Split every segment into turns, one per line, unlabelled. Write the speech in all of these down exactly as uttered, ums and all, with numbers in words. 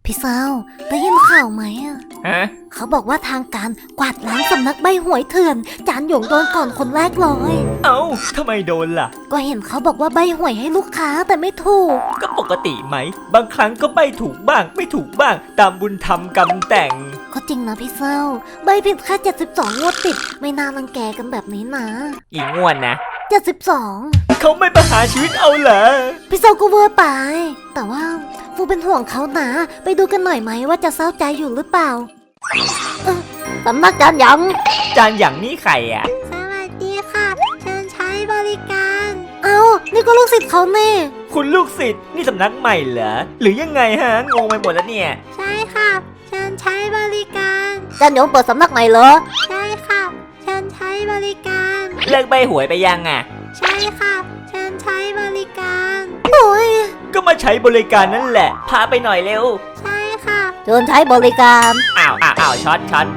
พี่เซาได้ยินข่าวไหมอ่ะ
ฮะ
เขาบอกว่าทางการกวาดล้างสำนักใบหวยเถื่อนจานหยงโดนก่อนคนแรกเลย
เอ้าทำไมโดนล่ะ
ก็เห็นเขาบอกว่าใบหวยให้ลูกค้าแต่ไม่ถูก
ก็ปกติไหม บางครั้งก็ไม่ถูกบ้าง ไม่ถูกบ้าง ตามบุญธรรมกรรมแต่ง
ก็จริงนะพี่เซาใบผิดแค่เจ็ดสิบสองงวดติดไม่น่ารังแกกันแบบนี้นะ
อีกงวดนะ
เจ็ดสิบสอง
เขาไม่ประหารชีวิตเอาเหรอ
พี่เซาก็เวอร์ไปแต่ว่าฟูเป็นห่วงเขานะไปดูกันหน่อยไหมว่าจะเศร้าใจอยู่หรือเปล่าเออสำนักจานหยง
จานอย่างนี้ใครอ่ะ
สวัสดีค่ะเชิญใช้บริการเอานี่ก็ลูกศิษย์เขาแน่
คุณลูกศิษย์นี่สำนักใหม่เหรอ หรือยังไงฮะ งงไปหมดแล้วเนี่ย
ใช่ค่ะเชิญใช้บริการจานหยงเปิดสำนักใหม่เหรอใช่ค่ะเชิญใช้บริการ
เลิกใบหวยไปยังอ่ะ
ใช่ค่ะเชิญใช้บริการโอ้ย
ก็มาใช้บริการนั่นแหละ พาไปหน่อยเร็ว
ใช่ค่ะเชิญใช้บริการ
อ้าวอ้าวอ้าวช็อตช็อต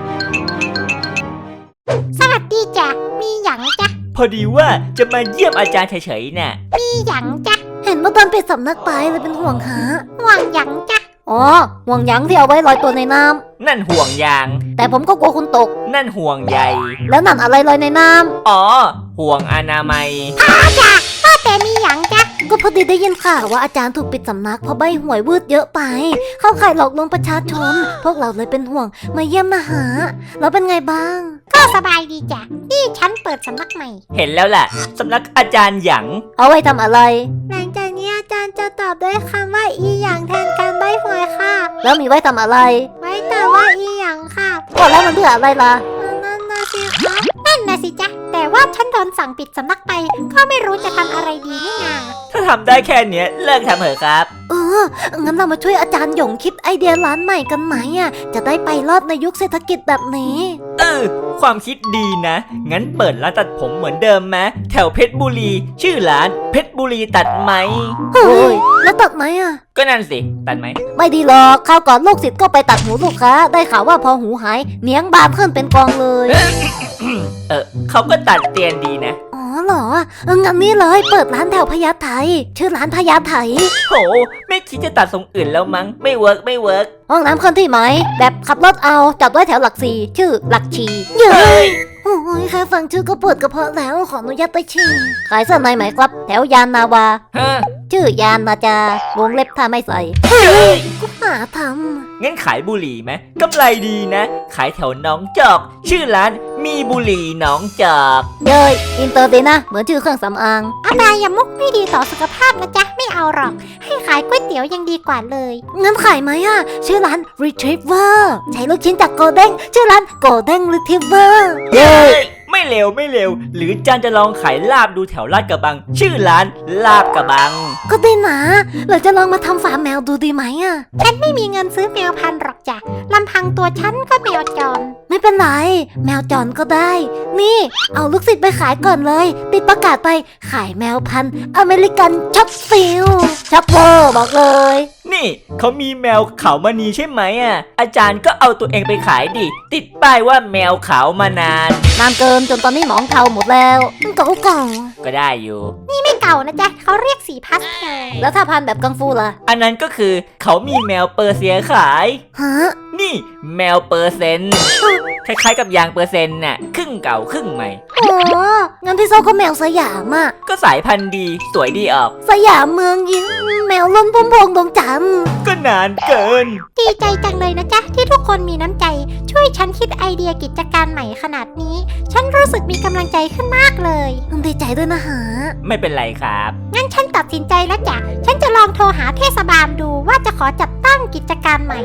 สวัสดีจ้ะมีหยังจ้ะ
พอดีว่าจะมาเยี่ยมอาจารย์เฉยๆน่ะ
มีหยังจ้ะเห็นว่าตอนปิดสำนักไปเลยเป็นห่วงหาห่วงหยังจ้ะอ๋อห่วงหยังที่เอาไว้ลอยตัวในน้ำ
นั่นห่วงยาง
แต่ผมก็กลัวคุณตก
นั่นห่วงใย
แล้วนั่นอะไรลอยในน้ำ
อ๋อ ห่วงอนามัย
ก็แต่มีหยังจ้ะก็พอดีได้ยินข่าวว่าอาจารย์ถูกปิดสำนักเพราะใบหวยวืดเยอะไป เข้าข่ายหลอกลวงประชาชน พวกเราเลยเป็นห่วงมาเยี่ยมนะหาแล้วเป็นไงบ้าง
ก็สบายดีจ้ะนี่ฉันเปิดสำนักใหม่
เห็นแล้วแหละสำนักอาจารย์หยาง
เอาไว้ทำอะไร
หลังจากนี้อาจารย์จะตอบด้วยคำว่าอีหยังแทนการใบ้หวยค่ะ
แล้วมีไว้ทำอะไร
ไว้แต่ว่าอีหยังค่ะ
ก็แล้วมันเพื่ออะไรล่ะ
นั่นนะสิคะนั่นนะสิจ๊ะแต่ว่าฉันโดนสั่งปิดสำนักไป ก็ไม่รู้จะทำอะไรดีนี่นา
ถ้าทำได้แค่เนี้ยเลิกทำเถอะครับ
เออ งั้นเรามาช่วยอาจารย์หยงคิดไอเดียร้านใหม่กันไหมอ่ะ จะได้ไปรอดในยุคเศรษฐกิจแบบนี้
เออ ความคิดดีนะ งั้นเปิดร้านตัดผมเหมือนเดิมไหมแถวเพชรบุรี ชื่อร้านเพชรบุรีตัดไหม
เฮ้ย แล้วตัดไหมอ่ะ
ก็นั่นสิ ตัดไหม
ไม่ดีหรอกคราวก่อนลูกศิษย์ก็ไปตัดหูลูกค้า ได้ข่าวว่าพอหูหายเนียงบานขึ้นเป็นกองเลย
เออเขาก็ตัดเตียนดีนะ
อ๋อเหรอเอองั้นนี่เลยเปิดร้านแถวพญาไทชื่อร้านพญาไท
โห ไม่คิดจะตัดทรงอื่นแล้วมั้ง ไม่เวิร์กไม่เวิร์ก
ห้องน้ำเคลื่อนที่ไหม แบบขับรถเอาจัดไว้แถวหลักสี่ชื่อหลักชีเย้
เฮ้ย
โอ้ยแค่ฟังชื่อก็ปวดกระเพาะแล้วขออนุญาตไปฉี่ขายเสื้อในไหมครับ แถวยานนาวา
ฮะ
ชื่อยานนาจาวงเล็บถ้าไม่ใส่
เฮ้ย
ก็หาท
งั้นขายบุหรี่ไหมกำไรดีนะ ขายแถวหน้องจอก ชื่อร้านมีบุหรี่หน้องจอก
ำเย้ยอินเตอร์ดีนะ เหมือนชื่อเครื่องสำอาง
อบายามุกไม่ดีต่อสุขภาพนะจ๊ะไม่เอาหรอก ให้ขายก๋วยเตี๋ยวยังดีกว่าเลย
งั้นขายไหมอ่ะ ชื่อร้าน Retriever ใช้ลูกชิ้นจากโกเด้งชื่อร้าน Golden Retriever เย้
เฮ้ย ไม่เร็วไม่เร็ว หรือจานจะลองขายลาบดูแถวลาดกระบัง ชื่อร้านลาบกระบัง
ก็ได้นะเราจะลองมาทำฟาร์มแมวดูดีไหมอ่ะ
ฉันไม่มีเงินซื้อแมวพันธุ์หรอกจ้ะลำพังตัวฉันก็แมวจร
ไม่เป็นไร แมวจรก็ได้ นี่ เอาลูกศิษย์ไปขายก่อนเลย ติดประกาศไปขายแมวพันธุ์อเมริกันช็อปฟิลช็อปเวอร์บอกเลย
นี่เขามีแมวขาวมณีใช่ไหมอ่ะ อาจารย์ก็เอาตัวเองไปขายดิ ติดป้ายว่าแมวขาวมานาน
นานเกินจนตอนนี้หมองเทาหมดแล้วเก่าเก่า
ก็ได้อยู่
ไม่เก่านะจ๊ะเขาเรียกสีพาสเทล
แล้วถ้าพันแบบกังฟูล่ะ
อันนั้นก็คือเขามีแมวเปอร์เซียขาย
ฮะ
นี่แมวเปอร์เซนต์คล้ายๆกับยางเปอร์เซนต์น่ะครึ่งเก่าครึ่งใหม่
โอ้งั้นพี่โซก็แมวสยามอ่ะ
ก็สายพันธุ์ดีสวยดีออก
สยามเมืองยิ้มแมวล้นพุ่มพวงดวงจันทร์
ก็นานเกิน
ดีใจจังเลยนะจ๊ะที่ทุกคนมีน้ำใจ ช่วยฉันคิดไอเดียกิจการใหม่ขนาดนี้ ฉันรู้สึกมีกำลังใจขึ้นมากเลย
ดีใจด้วยนะฮะ
ไม่เป็นไรครับ
งั้นฉันตัดสินใจแล้วจ้ะ ฉันจะลองโทรหาเทศบาลดูว่าจะขอจัดตั้งกิจการใหม่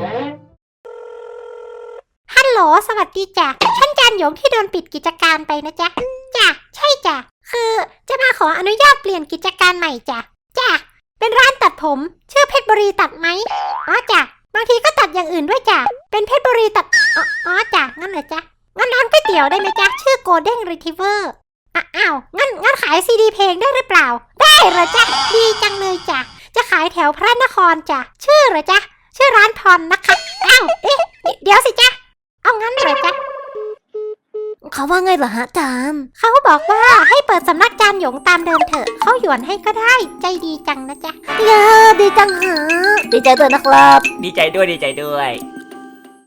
ฮัลโหล สวัสดีจ้ะ ฉันจันหยงที่โดนปิดกิจการไปนะจ๊ะ จ้ะ ใช่จ้ะ คือจะมาขออนุญาตเปลี่ยนกิจการใหม่จ้ะ จ้ะ เป็นร้านตัดผม ชื่อเพชรบุรีตัดไหมอ๋อจ้ะ บางทีก็ตัดอย่างอื่นด้วยจ้ะ เป็นเพชรบุรีตัด อ๋ออ๋อจ้ะ งั้นเหรอจ๊ะ งั้นร้านก๋วยเตี๋ยวได้ไหมจ๊ะ ชื่อ Golden Retriever อ่ะอ้าว งั้น งั้นขายซีดีเพลงได้หรือเปล่า ได้เหรอจ๊ะ ดีจังเลยจ้ะ จะขายแถวพระนครจ้ะ ชื่อเหรอจ๊ะ ชื่อร้านพรนะคะ อ้าว เอ๊ะ เดี๋ยวสิจ๊ะ เอางั้นเหรอจ๊ะ
เขาเขาว่าไงเหรอฮะอาจารย์
เขาบอกว่าให้เปิดสำนักจานหยงตามเดิมเถอะเขาหยวนให้ก็ได้ใจดีจังนะจ๊ะ
ยาดีจังฮะดีใจด้วยนะครับ
ดีใจด้วยดีใจด้วย